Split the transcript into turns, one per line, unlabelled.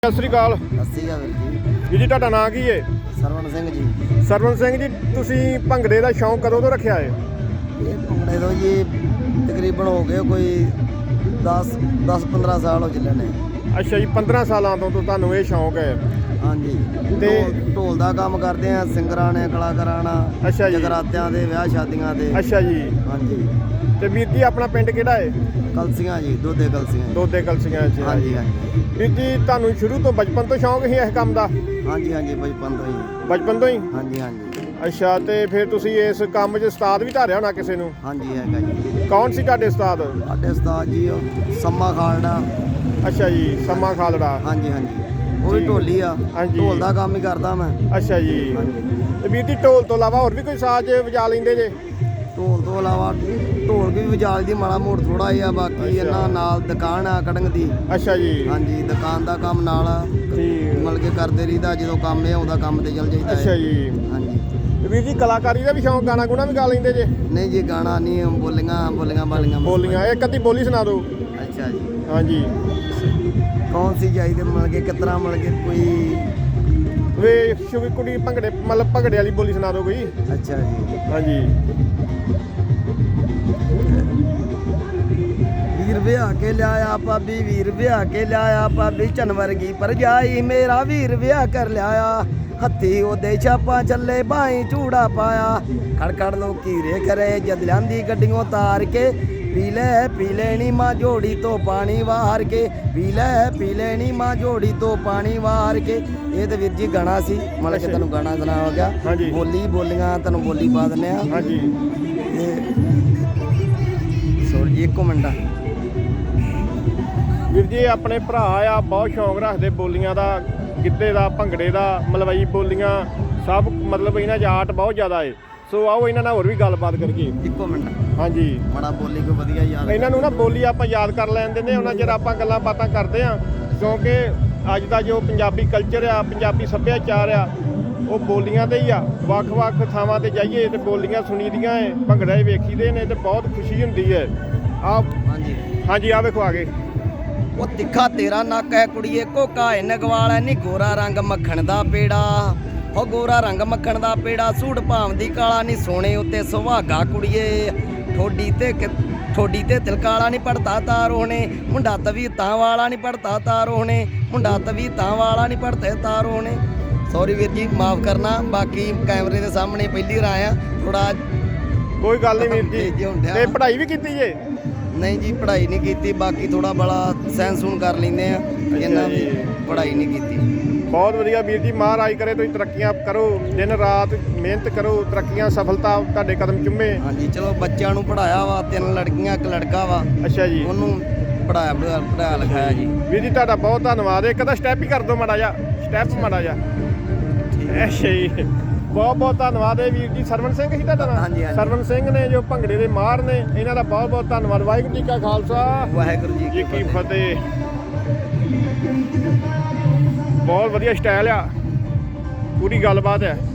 ਸਤਿ ਸ੍ਰੀ ਅਕਾਲ।
ਸਤਿ ਸ਼੍ਰੀ ਅਕਾਲ ਵੀਰ
ਵੀਰ ਜੀ ਤੁਹਾਡਾ ਨਾਂ ਕੀ ਹੈ?
ਸਰਵਣ ਸਿੰਘ ਜੀ।
ਸਰਵਣ ਸਿੰਘ ਜੀ, ਤੁਸੀਂ ਭੰਗੜੇ ਦਾ ਸ਼ੌਂਕ ਕਦੋਂ ਤੋਂ ਰੱਖਿਆ ਹੈ?
ਇਹ ਭੰਗੜੇ ਤੋਂ ਜੀ ਤਕਰੀਬਨ ਹੋ ਗਏ ਕੋਈ 10-15 ਸਾਲ ਹੋ ਚੱਲੇ ਨੇ।
ਅੱਛਾ ਜੀ, 15 ਸਾਲਾਂ ਤੋਂ ਤੁਹਾਨੂੰ ਇਹ ਸ਼ੌਂਕ ਹੈ?
ਹਾਂਜੀ।
ਤੇ
ਢੋਲ ਦਾ ਕੰਮ ਕਰਦੇ ਆ, ਸਿੰਗਰਾਂ ਨੇ, ਕਲਾਕਾਰਾਂ ਨਾਲ।
ਅੱਛਾ ਜੀ।
ਜਗਰਾਤਿਆਂ ਦੇ, ਵਿਆਹ ਸ਼ਾਦੀਆਂ ਦੇ।
ਅੱਛਾ ਜੀ।
ਹਾਂਜੀ।
ਤੇ ਵੀਰ ਜੀ ਆਪਣਾ ਪਿੰਡ ਕਿਹੜਾ ਹੈ?
ਕਲਸੀਆਂ ਜੀ, ਦੋਦੇ ਕਲਸੀਆਂ।
ਦੋਦੇ ਕਲਸੀਆਂ 'ਚ।
ਹਾਂਜੀ ਹਾਂਜੀ।
ਵੀਰ ਜੀ ਤੁਹਾਨੂੰ ਸ਼ੁਰੂ ਤੋਂ ਬਚਪਨ ਤੋਂ ਸ਼ੌਂਕ ਸੀ ਇਸ ਕੰਮ ਦਾ?
ਹਾਂਜੀ ਹਾਂਜੀ, ਬਚਪਨ ਤੋਂ ਹੀ।
ਬਚਪਨ ਤੋਂ ਹੀ?
ਹਾਂਜੀ ਹਾਂਜੀ।
ਅੱਛਾ, ਤੇ ਫਿਰ ਤੁਸੀਂ ਇਸ ਕੰਮ 'ਚ ਉਸਤਾਦ ਵੀ ਧਾਰਿਆ ਹੋਣਾ ਕਿਸੇ ਨੂੰ?
ਹਾਂਜੀ ਹੈਗਾ ਜੀ।
ਕੌਣ ਸੀ ਤੁਹਾਡੇ ਉਸਤਾਦ?
ਸਾਡੇ ਉਸਤਾਦ ਜੀ ਉਹ ਸੰਮਾ ਖਾਲੜਾ।
ਅੱਛਾ ਜੀ, ਸੰਮਾ ਖਾਲੜਾ।
ਹਾਂਜੀ ਹਾਂਜੀ, ਉਹ ਵੀ ਢੋਲੀ ਆ।
ਹਾਂਜੀ।
ਢੋਲ ਦਾ ਕੰਮ ਹੀ ਕਰਦਾ ਮੈਂ।
ਅੱਛਾ ਜੀ।
ਹਾਂਜੀ।
ਤੇ ਵੀਰ ਜੀ ਢੋਲ ਤੋਂ ਇਲਾਵਾ ਹੋਰ ਵੀ ਕੋਈ ਸਾਜ਼ ਵਜਾ ਲੈਂਦੇ ਜੇ?
ਢੋਲ ਤੋਂ ਇਲਾਵਾ ਢੋਲ ਵੀ ਵਜਾਲ ਦੀ ਮਾੜਾ ਮੋੜ ਥੋੜਾ ਜਿਹਾ, ਬਾਕੀ ਇਹਨਾਂ ਨਾਲ ਦੁਕਾਨ ਆ ਕੜੰਗ ਦੀ।
ਅੱਛਾ ਜੀ।
ਹਾਂਜੀ, ਦੁਕਾਨ ਦਾ ਕੰਮ ਨਾਲ
ਠੀਕ।
ਮਿਲ ਕੇ ਕਰਦੇ ਰਹੀਦਾ, ਜਦੋਂ ਕੰਮ ਇਹ ਆਉਂਦਾ ਕੰਮ ਤੇ ਚੱਲ ਜਾਈਦਾ।
ਅੱਛਾ ਜੀ।
ਹਾਂਜੀ।
ਤੇ ਵੀਰ ਜੀ ਕਲਾਕਾਰੀ ਦਾ ਵੀ ਸ਼ੌਂਕ, ਗਾਣਾ ਗੁਣਾ ਵੀ ਗਾ ਲੈਂਦੇ ਜੇ?
ਨਹੀਂ ਜੀ, ਗਾਣਾ ਨਹੀਂ, ਬੋਲੀਆਂ ਬਾਲੀਆਂ।
ਬੋਲੀਆਂ ਇੱਕ ਅੱਧੀ ਬੋਲੀ ਸੁਣਾ ਦਿਓ।
ਅੱਛਾ ਜੀ।
ਹਾਂਜੀ।
ਕੌਣ ਸੀ ਚਾਹੀਦੇ ਮਿਲ ਕੇ, ਕਿਸ ਤਰ੍ਹਾਂ ਮਿਲ ਕੇ, ਕੋਈ?
ਵੇ ਸ਼ੁਗੀ ਕੁੜੀ ਭੰਗੜੇ, ਮਤਲਬ ਭੰਗੜੇ ਵਾਲੀ ਬੋਲੀ ਸੁਣਾ ਦਿਓ ਕੋਈ।
ਅੱਛਾ ਜੀ।
ਹਾਂਜੀ।
ਵੀਰ ਵਿਆਹ ਕੇ ਲਿਆਇਆ ਭਾਬੀ, ਵੀਰ ਵਿਆਹ ਕੇ ਲਿਆਇਆ ਭਾਬੀ, ਚੰਨ ਵਰਗੀ ਭਰਜਾਈ ਮੇਰਾ ਵੀਰ ਵਿਆਹ ਕਰ ਲਿਆਇਆ। ਹੱਥੀ ਉਹਦੇ ਛਾਪਾਂ ਚੱਲੇ, ਬਾਈ ਚੂੜਾ ਪਾਇਆ, ਖੜਖੜ ਲੋਕੀ ਰੇ ਕਰੇ ਜਦ ਲਿਆਂਦੀ ਗੱਡੀਆਂ ਤਾਰ ਕੇ। ਪੀ ਲੈਣੀ ਮਾਂ ਜੋੜੀ ਤੋਂ ਪਾਣੀ ਵਾਰ ਕੇ, ਪੀ ਲੈਣੀ ਮਾਂ ਜੋੜੀ ਤੋਂ ਪਾਣੀ ਵਾਰ ਕੇ। ਇਹ ਤੇ ਵੀਰ ਜੀ ਗਾਣਾ ਸੀ, ਮਤਲਬ ਕਿ ਤੁਹਾਨੂੰ ਗਾਣਾ ਸੁਣਾ ਹੋ ਗਿਆ।
ਹਾਂਜੀ।
ਬੋਲੀਆਂ ਤੁਹਾਨੂੰ ਬੋਲੀ ਪਾ ਦਿੰਦੇ ਆ।
ਹਾਂਜੀ।
ਸੋਰ ਜੀ ਇੱਕੋ ਮਿੰਟ।
ਵੀਰ ਜੀ ਆਪਣੇ ਭਰਾ ਆ, ਬਹੁਤ ਸ਼ੌਂਕ ਰੱਖਦੇ ਬੋਲੀਆਂ ਦਾ, ਗਿੱਧੇ ਦਾ, ਭੰਗੜੇ ਦਾ, ਮਲਵਈ ਬੋਲੀਆਂ ਸਭ, ਮਤਲਬ ਇਹਨਾਂ 'ਚ ਆਰਟ ਬਹੁਤ ਜ਼ਿਆਦਾ ਹੈ। ਸੋ ਆਓ ਇਹਨਾਂ ਨਾਲ ਹੋਰ ਵੀ ਗੱਲਬਾਤ ਕਰੀਏ।
ਇੱਕੋ ਮਿੰਟ।
ਹਾਂਜੀ।
ਬੜਾ ਬੋਲੀ ਕੋ ਵਧੀਆ ਯਾਦ।
ਇਹਨਾਂ ਨੂੰ ਨਾ ਬੋਲੀ ਆਪਾਂ ਯਾਦ ਕਰ ਲੈਂਦੇ ਨੇ, ਉਹਨਾਂ ਚਿਰ ਆਪਾਂ ਗੱਲਾਂ ਬਾਤਾਂ ਕਰਦੇ ਆ, ਕਿਉਂਕਿ ਅੱਜ ਦਾ ਜੋ ਪੰਜਾਬੀ ਕਲਚਰ ਆ, ਪੰਜਾਬੀ ਸੱਭਿਆਚਾਰ ਆ, ਉਹ ਬੋਲੀਆਂ ਤੇ ਹੀ ਆ। ਵੱਖ-ਵੱਖ ਥਾਵਾਂ ਤੇ ਜਾਈਏ ਤੇ ਬੋਲੀਆਂ ਸੁਣੀਦੀਆਂ ਏ, ਭੰਗੜੇ ਵੇਖੀਦੇ ਨੇ ਤੇ ਬਹੁਤ ਖੁਸ਼ੀ ਹੁੰਦੀ ਹੈ।
ਹਾਂਜੀ
ਹਾਂਜੀ, ਆ ਵੇਖੋ ਆ ਗਏ।
ਉਹ ਤਿੱਖਾ ਤੇਰਾ ਨੱਕ ਹੈ ਕੁੜੀਏ, ਕੋਕਾ ਏ ਨਗਵਾਲਾ ਨੀ, ਗੋਰਾ ਰੰਗ ਮੱਖਣ ਦਾ ਪੇੜਾ। ਹੋ ਗੋਰਾ ਰੰਗ ਮੱਖਣ ਦਾ ਪੇੜਾ, ਸੂਟ ਭਾਵਦੀ ਕਾਲਾ ਨੀ, ਸੋਨੇ ਉੱਤੇ ਸੁਹਾਗਾ ਕੁੜੀਏ। ਠੋਡੀ ਤੇ ਤਿਲਕਾਲਾ ਨੀ, ਪੜਤਾ ਤਾਰੋ ਨੇ, ਮੁੰਡਾ ਤਵੀ ਤਾਂ ਵਾਲਾ ਨੀ, ਪੜਤਾ ਤਾਰੋ ਨੇ, ਮੁੰਡਾ ਤਵੀ ਤਾਂ ਵਾਲਾ ਨੀ, ਪੜਤੇ ਤਾਰੋ ਨੇ। ਸੌਰੀ ਵੀਰ ਜੀ, ਮਾਫ ਕਰਨਾ, ਬਾਕੀ ਕੈਮਰੇ ਦੇ ਸਾਹਮਣੇ ਪਹਿਲੀ ਵਾਰ ਆਇਆ, ਥੋੜਾ
ਕੋਈ ਗੱਲ ਨਹੀਂ ਵੀਰ ਜੀ। ਤੇ ਪੜ੍ਹਾਈ ਵੀ ਕੀਤੀ ਜੇ?
ਨਹੀਂ ਜੀ, ਪੜ੍ਹਾਈ ਨਹੀਂ ਕੀਤੀ, ਬਾਕੀ ਥੋੜਾ ਬੜਾ ਸੈਂਸ ਸੂਨ ਕਰ ਲੈਂਦੇ ਆ। ਇਹਨਾਂ ਦੀ ਪੜ੍ਹਾਈ ਨਹੀਂ ਕੀਤੀ।
ਬਹੁਤ ਵਧੀਆ ਵੀਰ ਜੀ, ਮਹਾਰਾਜ ਕਰੇ ਤੁਸੀਂ ਤਰੱਕੀਆਂ ਕਰੋ, ਦਿਨ ਰਾਤ ਮਿਹਨਤ ਕਰੋ, ਤਰੱਕੀਆਂ ਸਫਲਤਾ ਤੁਹਾਡੇ ਕਦਮ ਚੁੰਮੇ।
ਹਾਂਜੀ, ਚਲੋ ਬੱਚਿਆਂ ਨੂੰ ਪੜ੍ਹਾਇਆ ਵਾ, 3 ਲੜਕੀਆਂ 1 ਲੜਕਾ ਵਾ। ਅੱਛਾ ਜੀ। ਉਹਨੂੰ ਪੜ੍ਹਾਇਆ ਲਿਖਾਇਆ ਜੀ।
ਵੀਰ ਜੀ ਤੁਹਾਡਾ ਬਹੁਤ ਧੰਨਵਾਦ। ਇੱਕ ਤਾਂ ਸਟੈਪ ਹੀ ਕਰ ਦਿਓ ਮਾੜਾ ਜਿਹਾ, ਸਟੈਪ ਮਾੜਾ ਜਿਹਾ। ਅੱਛਾ ਜੀ, ਬਹੁਤ ਬਹੁਤ ਧੰਨਵਾਦ ਹੈ ਵੀਰ ਜੀ। ਸਰਵਣ ਸਿੰਘ ਸੀ ਤੁਹਾਡਾ ਨਾਮ?
ਹਾਂਜੀ ਹਾਂਜੀ।
ਸਰਵਣ ਸਿੰਘ ਨੇ ਜੋ ਭੰਗੜੇ ਦੇ ਮਾਹਰ ਨੇ, ਇਹਨਾਂ ਦਾ ਬਹੁਤ ਬਹੁਤ ਧੰਨਵਾਦ। ਵਾਹਿਗੁਰੂ ਜੀ ਕਾ ਖਾਲਸਾ,
ਵਾਹਿਗੁਰੂ ਜੀ
ਕੀ ਫਤਿਹ। ਬਹੁਤ ਵਧੀਆ ਸਟਾਈਲ ਆ, ਪੂਰੀ ਗੱਲਬਾਤ ਹੈ।